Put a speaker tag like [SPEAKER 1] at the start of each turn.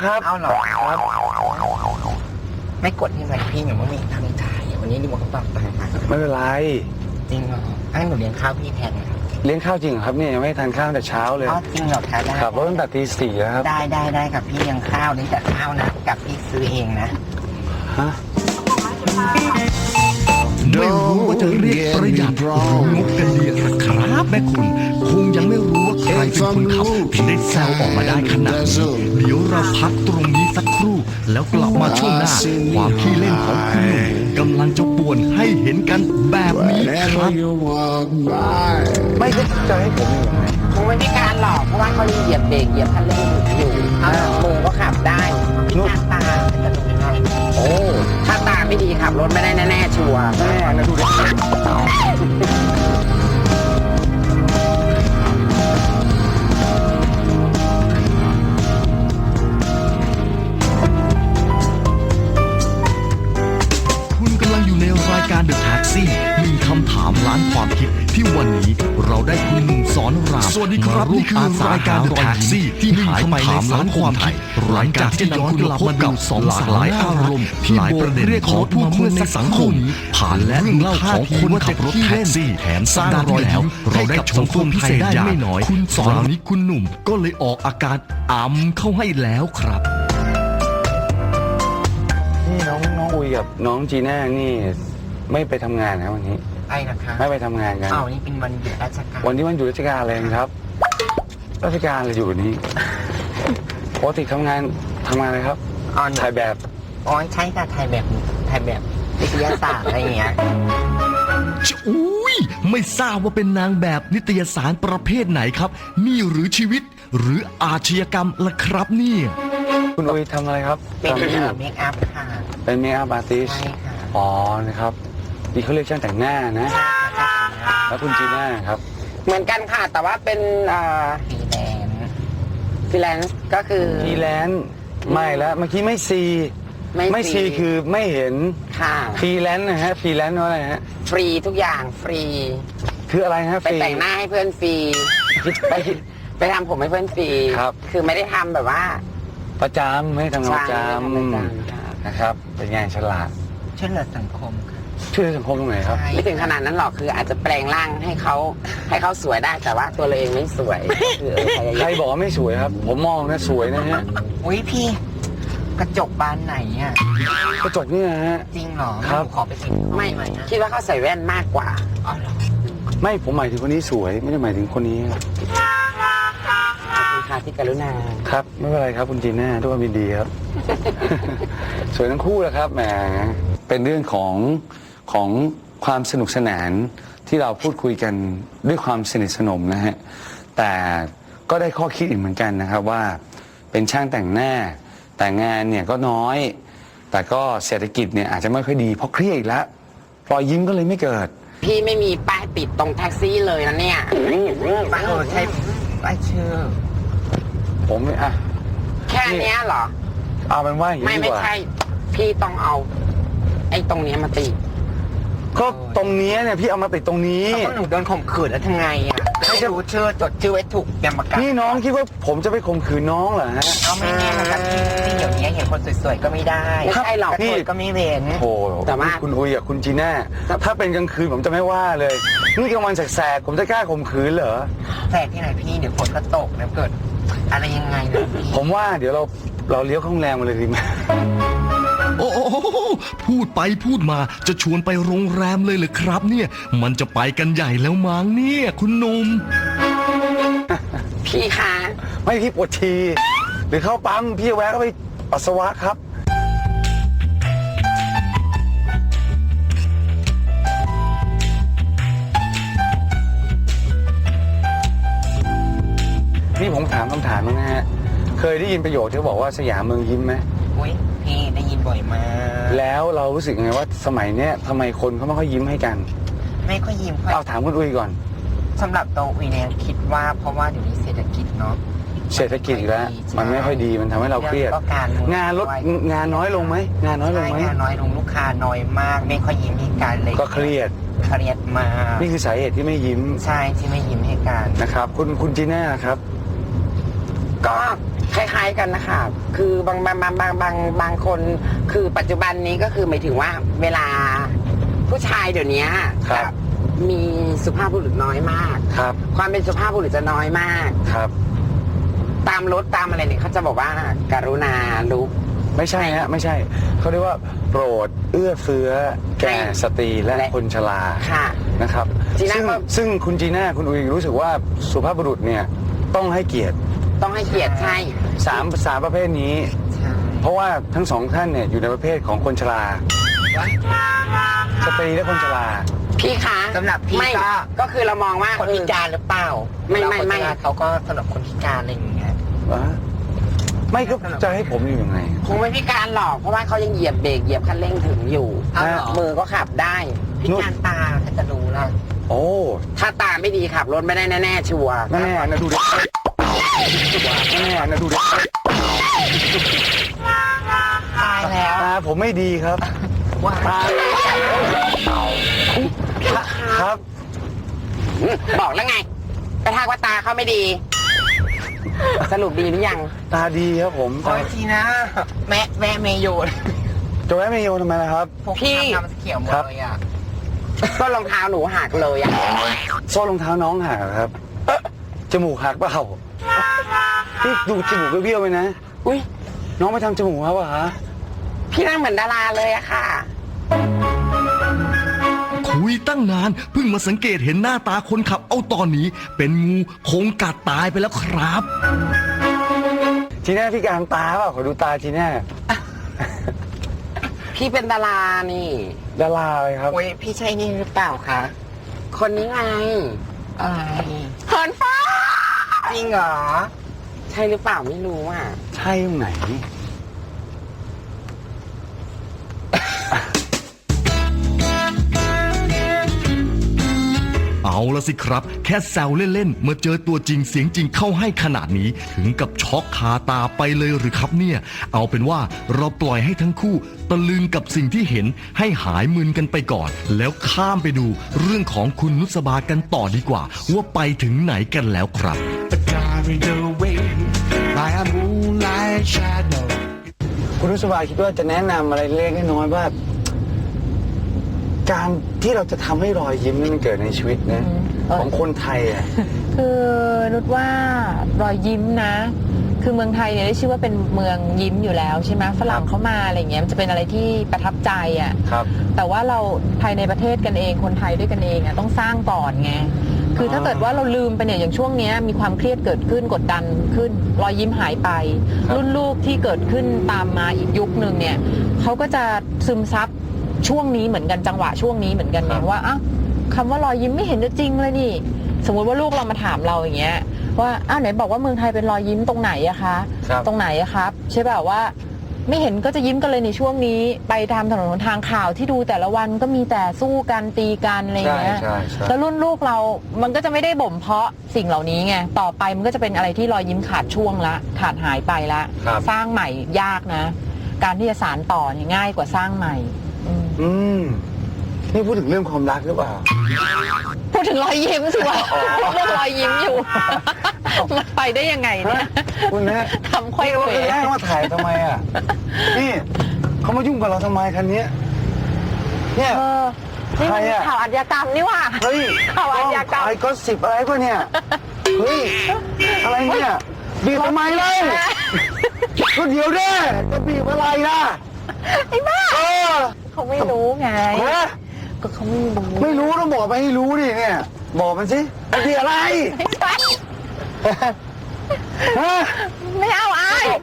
[SPEAKER 1] ครับ
[SPEAKER 2] เอาเหรอ
[SPEAKER 1] ครับ
[SPEAKER 2] ไม่กดที่ไหนพี่หนูไม่มีทางจ่ายวันนี้ดิโมเขาปรับตังค์มา
[SPEAKER 1] ไม่เป็นไร
[SPEAKER 2] จริงเหรอให้หนูเลี้ยงข้าวพี่แทนนะ
[SPEAKER 1] เลี้ยงข้าวจริงเหรอครับเนี่ยยังไม่ทานข้าวแต่เช้าเลย
[SPEAKER 2] อ๋อจริงเหรอคะได้
[SPEAKER 1] ขับรถตั้งแต่ตี 4แล้วครับ
[SPEAKER 2] ได้กับพี่เลี้ยงข้าวเลี้ยงแต่ข้าวนะกับพี่ซื้อเองนะ
[SPEAKER 1] ฮะ
[SPEAKER 3] ไม่รู้ว่าจะเรียกประหยัดหรืองกกันดีหรอครับแม่คุณ คงยังไม่รู้ว่าใครเป็นคนขับถึงได้แซวออกมาได้ขนาดนี้เดี๋ยวเราพักตรงนี้สักครู่ แล้วกลับมาช่วงหน้า ความขี้เล่นของคุณหนุ่มกำลังจะป่วนให้เห็นกันแบบนี้ครับ
[SPEAKER 1] ไม่ก็จะให้ผมอยู่ยังไง
[SPEAKER 2] คงไม่มีการหลอกเพราะว่าเขาเหยียบเบรกเหยียบคันเร่งอยู่มือก็ขับได้พี่ตาจะดูให้โอ้ถ้าตาไม่ดีขับรถไม่ได้แน่ๆชัวร์
[SPEAKER 1] แม่นะดูดิ
[SPEAKER 3] คุณกำลังอยู่ในรายการ The Taxi หนึ่งคำถามล้านความคิดที่วันนี้เราได้คุณหนุ่มสอนรามสวัสดีครับนี่คือรายการ The Taxi ที่หนึ่งคำถามล้านความคิดรายการที่ย้อนกลับมาดูสองหลากหลายอารมณ์หลายประเด็นของผู้คนในสังคมผ่านและเรื่องเล่าของคนขับรถแท็กซี่แถมสร้างรอยยิ้มเราได้ชมตัวพิเศษได้ไม่น้อยคุณสอนนี้คุณหนุ่มก็เลยออกอาการอ่ำเข้าให้แล้วครับ
[SPEAKER 1] นี่น้องอุยกับน้องจีน่านี่ไม่ไปทำงานนะวันนี้
[SPEAKER 2] ไปนะคะ
[SPEAKER 1] ไม่ไปทำงานกัน
[SPEAKER 2] อ้าวนี่เป็นวันหยุดราชการ
[SPEAKER 1] วันนี้วันหยุดราชการเลยครับ ราชการเลยอยู่วันนี้ปกติทำงานอะไรครับ
[SPEAKER 2] อ๋อ
[SPEAKER 1] ถ่ายแบบ
[SPEAKER 2] อ๋อใช่ค่ะถ่ายแบบวิทยาศาสตร์อะไรอย่างเงี้ย
[SPEAKER 3] อุ้ยไม่ทราบว่าเป็นนางแบบนิตยสารประเภทไหนครับ นี่หรือชีวิตหรืออาชญากรรมล่ะครับเนี่ย
[SPEAKER 1] คุณอุยทำอะไรครับ
[SPEAKER 2] เป็น
[SPEAKER 1] ทำ
[SPEAKER 2] เมคอัพค่ะ
[SPEAKER 1] เป็นเมคอัพอาร์ติส
[SPEAKER 2] ใช่ค่ะ
[SPEAKER 1] อ๋อนะครับนี่เขาเรียกช่างแต่งหน้านะ แล้วคุณจีน่าครับ
[SPEAKER 2] เหมือนกันค่ะ แต่ว่าเป็นฟรีแลนซ์ก็คือ
[SPEAKER 1] ฟรีแลนซ์ไม่แล้วเมื่อกี้ไม่ซีไม่ซีคือไม่เห็น
[SPEAKER 2] ค่ะ
[SPEAKER 1] ฟรีแลนซ์นะฮะฟรีแลนซ์ว่าอะไรฮะ
[SPEAKER 2] ฟรีทุกอย่างฟรี
[SPEAKER 1] คืออะไรฮะฟ
[SPEAKER 2] ไป
[SPEAKER 1] รี
[SPEAKER 2] แต่งหน้าให้เพื่อนฟรีไปทำผมให้เพื่อนฟรี
[SPEAKER 1] ครับ
[SPEAKER 2] คือไม่ได้ทำแบบว่า
[SPEAKER 1] ประจำไม่ทำงานประจ
[SPEAKER 2] ใช่ไม่ทำประจำค่ะ
[SPEAKER 1] ำนะครับ เป็นไงฉลาด
[SPEAKER 2] ช่วยเหลือสังคมค่ะ
[SPEAKER 1] ช่วยสังคมตรงไหนครับ
[SPEAKER 2] ไม่ถึงขนาดนั้นหรอกคืออาจจะแปลงร่างให้เขาสวยได้แต่ว่าตัวเราเองไม่สวยคือพยายาม
[SPEAKER 1] ใครบอกว่าไม่สวยครับ ผมมองนะสวยนะฮะ
[SPEAKER 2] อุ้ยพี่ กระจกบานไหนอ่ะ
[SPEAKER 1] กระจกนี่นะฮะ
[SPEAKER 2] จริงเหรอ
[SPEAKER 1] ครับ
[SPEAKER 2] ขอไปสิไม่คิดว่าเขาใส่แว่นมากกว่าอ๋อเหรอ
[SPEAKER 1] ไม่ผมหมายถึงคนนี้สวย ไม่ได้หมายถึงคนนี้ครับ
[SPEAKER 2] ขอบคุณค่ะที่กรุณา
[SPEAKER 1] ครับไม่เป็นไรครับคุณจีน่าทุกคนยินดีครับ สวยทั้งคู่แหละครับแหมเป็นเรื่องของความสนุกสนานที่เราพูดคุยกันด้วยความสนิทสนมนะฮะแต่ก็ได้ข้อคิดอีกเหมือนกันนะครับว่าเป็นช่างแต่งหน้าแต่งานเนี่ยก็น้อย แต่ก็เศรษฐกิจเนี่ยอาจจะไม่ค่อยดีเพราะเครียดอีกแล้วรอยยิ้มก็เลยไม่เกิด
[SPEAKER 2] พี่ไม่มีป้ายติดตรงแท็กซี่เลยนะเนี่ยป้ายใช่ป้ายชื่อ
[SPEAKER 1] ผมอ่ะ
[SPEAKER 2] แค่เนี้ยเหรอ
[SPEAKER 1] เอาเป็นว่าอย่างนี้ดี
[SPEAKER 2] ไม่
[SPEAKER 1] กว่า
[SPEAKER 2] ใช่ พี่ต้องเอา ไอ้ตรงเนี้ยมาติด
[SPEAKER 1] ก็ตรงนี้เนี่ยพี่เอามาติดตรงนี้
[SPEAKER 2] แล้วก็หนูโดนข่มขืนแล้วทำไงอ่ะไม่รู้ชื่อจดชื่อไว้ถูกเตรียมประกัน
[SPEAKER 1] นี่น้องคิดว่าผมจะไปข่มขืนน้องเหรอฮะ
[SPEAKER 2] เอาไม่แน่นะครับที่เดี๋ยวนี้เห็นคนสวยๆก็ไม่ได้ไม่ใช่หรอก
[SPEAKER 1] พี่
[SPEAKER 2] พี่ก็ไม่เว้น
[SPEAKER 1] โอ้
[SPEAKER 2] แต่ว่า
[SPEAKER 1] คุณอุยกับคุณจีน่าถ้าเป็นกลางคืนผมจะไม่ว่าเลย นี่กลางวันแสกๆผมจะกล้าข่มขืนเหรอ
[SPEAKER 2] แฝดที่ไหนพี่เดี๋ยวฝนก็ตกแล้วเกิด อะไรยังไงนะพี่
[SPEAKER 1] ผมว่าเดี๋ยวเราเลี้ยวเข้าโรงแรมมาเลยดีไหม
[SPEAKER 3] โอ้โหพูดไปพูดมาจะชวนไปโรงแรมเลยเหรอครับเนี่ย มันจะไปกันใหญ่แล้วมั้งเนี่ยคุณหนุ่ม
[SPEAKER 2] พี่คะ
[SPEAKER 1] ไม่พี่ปวดฉี่หรือเข้าปั๊มพี่แวะเข้าไปปัสสาวะครับ นี่ผมถามคำถามนึงนะฮะ เคยได้ยินประโยคที่เขาบอกว่าสยามเมืองยิ้มไหม
[SPEAKER 2] อุ้ยพี่ได้ยินบ่อยมาก
[SPEAKER 1] แล้วเรารู้สึกยังไงว่าสมัยเนี้ยทำไมคนเขาไม่ค่อยยิ้มให้กัน
[SPEAKER 2] ไม่ค่อยยิ้มค่อย
[SPEAKER 1] เอาถามคุณอุ้ยก่อน
[SPEAKER 2] สำหรับตัวอุยเนี่ยคิดว่าเพราะว่าเดี๋ยวนี้เศรษฐกิจเนาะ
[SPEAKER 1] เศรษฐกิจอีกแล้วมันไม่ค่อยดีมันทำให้เราเครียด
[SPEAKER 2] แล้วก็การเมือง
[SPEAKER 1] งานลดงานน้อยลงไหมงานน้อยลงไหม
[SPEAKER 2] ใช่งานน้อยลงลูกค้าน้อยมาก ไม่ค่อยยิ้มให้กันเลย
[SPEAKER 1] ก็เครียด
[SPEAKER 2] เครียดมาก
[SPEAKER 1] นี่คือสาเหตุที่ไม่ยิ้ม
[SPEAKER 2] ใช่ที่ไม่ยิ้มให้กัน
[SPEAKER 1] นะครับ คุณจีน่าครับ
[SPEAKER 2] ก็คล้ายๆกันนะคะคือบางคนคือปัจจุบันนี้ก็คือหมายถึงว่าเวลาผู้ชายเดี๋ยวนี้
[SPEAKER 1] ครับ
[SPEAKER 2] มีสุภาพบุรุษน้อยมาก
[SPEAKER 1] ครับ
[SPEAKER 2] ความเป็นสุภาพบุรุษจะน้อยมาก
[SPEAKER 1] ครับ
[SPEAKER 2] ตามรถตามอะไรเนี่ยเขาจะบอกว่าการุณาลุก
[SPEAKER 1] ไม่ใช่ฮะไม่ใช่เขาเรียกว่าโปรดเอื้อเฟื้อแก่สตรีและคนชรา
[SPEAKER 2] ค่ะ
[SPEAKER 1] นะครับ
[SPEAKER 2] จีน่าก็
[SPEAKER 1] ซึ่งคุณจีน่าคุณอุ๋ยรู้สึกว่าสุภาพบุรุษเนี่ยต้องให้เกียรติ
[SPEAKER 2] ต้องให้เกียรติใช่
[SPEAKER 1] สามประเภทนี้ เพราะว่าทั้งสองท่านเนี่ยอยู่ในประเภทของคนชราสตรีและคนชรา
[SPEAKER 2] พี่คะ
[SPEAKER 4] สำหรับพี่
[SPEAKER 2] ไม่
[SPEAKER 4] ก็
[SPEAKER 2] คือเรามองว่า
[SPEAKER 4] คนพิการหรือเปล่า
[SPEAKER 2] ไม่
[SPEAKER 4] เขาก็สำหรับคนพิการอะไรอย่างเงี้ย
[SPEAKER 1] ไม่ก็จะให้ผมอยู่ยังไง
[SPEAKER 2] คงไม่พิการหรอกเพราะว่าเขายังเหยียบเบรกเหยียบคันเร่งถึงอยู่
[SPEAKER 4] อ้าวเหรอ
[SPEAKER 2] มือก็ขับได้
[SPEAKER 4] พิการตาก็จะรู้ละ
[SPEAKER 1] โอ้
[SPEAKER 2] ถ้าตาไม่ดีขับรถไม่ได้แน่ๆชัวร์
[SPEAKER 1] แน่ๆนะดูดิแน่ๆนะดูดิ
[SPEAKER 4] ตายแล้ว
[SPEAKER 1] ตาผมไม่ดีครับ
[SPEAKER 4] ว่า
[SPEAKER 1] ตาครับ
[SPEAKER 2] บอกแล้วไงไปทักว่าตาเขาไม่ดี สรุปดีหรือยัง
[SPEAKER 1] ตาดีครับผม
[SPEAKER 4] โอ้ยทีนะแม่เมโยน
[SPEAKER 1] จะแวะเมโยทำไมล่ะครับ
[SPEAKER 4] พวก
[SPEAKER 2] พี่
[SPEAKER 4] ทำเขียวหมดเลยอ่ะ
[SPEAKER 2] ก็รองเท้าหนูหักเลยอะ
[SPEAKER 1] โซ่รองเท้าน้องหักเหรอครับจมูกหักเปล่าพี่ดูจมูกเบี้ยวๆไปนะ
[SPEAKER 2] อุ้ย
[SPEAKER 1] น้องไปทำจมูกครับวะฮะ
[SPEAKER 2] พี่นั่งเหมือนดาราเลยอะค่ะ
[SPEAKER 3] คุยตั้งนานเพิ่งมาสังเกตเห็นหน้าตาคนขับเอาตอนนี้ เป็นงูคงกัดตายไปแล้วครับ
[SPEAKER 1] ทีน่าพี่การตาเปล่าขอดูตาทีน่า
[SPEAKER 2] พี่เป็นดารานี่
[SPEAKER 1] ดาราเลยครับ
[SPEAKER 4] โอ้ยพี่ใช่นี่หรือเปล่าคะ
[SPEAKER 2] คนนี้ไง
[SPEAKER 4] อะไร
[SPEAKER 2] เหินฟ้า
[SPEAKER 4] จริงเหรอ
[SPEAKER 2] ใช่หรือเปล่าไม่รู้อ่ะ
[SPEAKER 1] ใช่ตรงไหน
[SPEAKER 3] เอาละสิครับ แค่แซวเล่นๆเมื่อเจอตัวจริงเสียงจริงเข้าให้ขนาดนี้ ถึงกับช็อกคาตาไปเลยหรือครับเนี่ย เอาเป็นว่าเราปล่อยให้ทั้งคู่ตะลึงกับสิ่งที่เห็นให้หายมึนกันไปก่อน แล้วข้ามไปดูเรื่องของคุณนุสบากันต่อดีกว่า ว่าไปถึงไหนกันแล้วครับ
[SPEAKER 5] carried away by a moonlight shadow.
[SPEAKER 1] คุณนุสบาคิดว่าจะแนะนำอะไรเล็กๆน้อยๆว่า การที่เราจะทำให้รอยยิ้มนี่มันเกิดในชีวิตนะของคนไทยอ่ะ
[SPEAKER 6] คือนุชว่ารอยยิ้มนะ คือเมืองไทยเนี่ยได้ชื่อว่าเป็นเมืองยิ้มอยู่แล้วใช่ไหมฝรั่งเข้ามาอะไรเงี้ยมันจะเป็นอะไรที่ประทับใจอ่ะ
[SPEAKER 1] ครับ
[SPEAKER 6] แต่ว่าเราภายในประเทศกันเองคนไทยด้วยกันเองอ่ะต้องสร้างก่อนไงคือถ้าเกิดว่าเราลืมไปเนี่ยอย่างช่วงเนี้ยมีความเครียดเกิดขึ้นกดดันขึ้นรอยยิ้มหายไป
[SPEAKER 1] ครับ
[SPEAKER 6] รุ่นลูกที่เกิดขึ้นตามมาอีกยุคนึงเนี่ยเขาก็จะซึมซับช่วงนี้เหมือนกันจังหวะช่วงนี้เหมือนกันเนี่ยว่าอ้าวคำว่ารอยยิ้มไม่เห็นจะจริงเลยนี่ สมมุติว่าลูกเรามาถามเราอย่างเงี้ยว่าอ้าวไหนบอกว่าเมืองไทยเป็นรอยยิ้มตรงไหนอะคะ
[SPEAKER 1] ครับ
[SPEAKER 6] ตรงไหนอะครับใช่ป่ะว่าไม่เห็นก็จะยิ้มกันเลยในช่วงนี้ ไปตามถนนหนทางข่าวที่ดูแต่ละวันก็มีแต่สู้กันตีกันอะไรอย่างเงี้ย
[SPEAKER 1] ใช่ใช่
[SPEAKER 6] แล้วรุ่นลูกเรามันก็จะไม่ได้บ่มเพาะสิ่งเหล่านี้ไงต่อไปมันก็จะเป็นอะไรที่รอยยิ้มขาดช่วงละขาดหายไปละ
[SPEAKER 1] ครับ
[SPEAKER 6] สร้างใหม่ยากนะ การที่จะสานต่อเนี่ยง่ายกว่าสร้างใหม่อืม
[SPEAKER 1] นี่พูดถึงเรื่องความรักหรือเปล่า
[SPEAKER 6] พูดถึงรอยยิ้มสิวะเรื่องรอยยิ้มอยู่ มันไปได้ยังไงเนี่ย
[SPEAKER 1] คุณนะ
[SPEAKER 6] ทำค่อย
[SPEAKER 1] นี่
[SPEAKER 6] เขว
[SPEAKER 1] ว่าแรกมาถ่ายทำไมอ่ะ นี่เขามายุ่งกับเราทำไมคันนี้เนี่ย
[SPEAKER 6] เออนี่มัน
[SPEAKER 1] ใครอะ
[SPEAKER 6] ข่าวอาชญากรรมนี่หว่า
[SPEAKER 1] เฮ้ย
[SPEAKER 6] ข่าวอาชญากรรม
[SPEAKER 1] ไอ้ก็สิบอะไรป่ะเนี่ย เฮ้ย อะไรเนี่ย บีบทำไมเลยก็เดี๋ยวเด้จะบีบอะไรล่ะ
[SPEAKER 6] ไอ้บ้า
[SPEAKER 1] เออ
[SPEAKER 6] เขาไม่รู้ไง
[SPEAKER 1] ฮะ
[SPEAKER 6] ก็เขาไม่รู้
[SPEAKER 1] ไม่รู้ต้องบอกไปให้รู้ดิเนี่ย บอกมันสิมันคืออะไร
[SPEAKER 6] ไม่ใช่
[SPEAKER 1] ฮะ
[SPEAKER 6] ไม่เอาอาย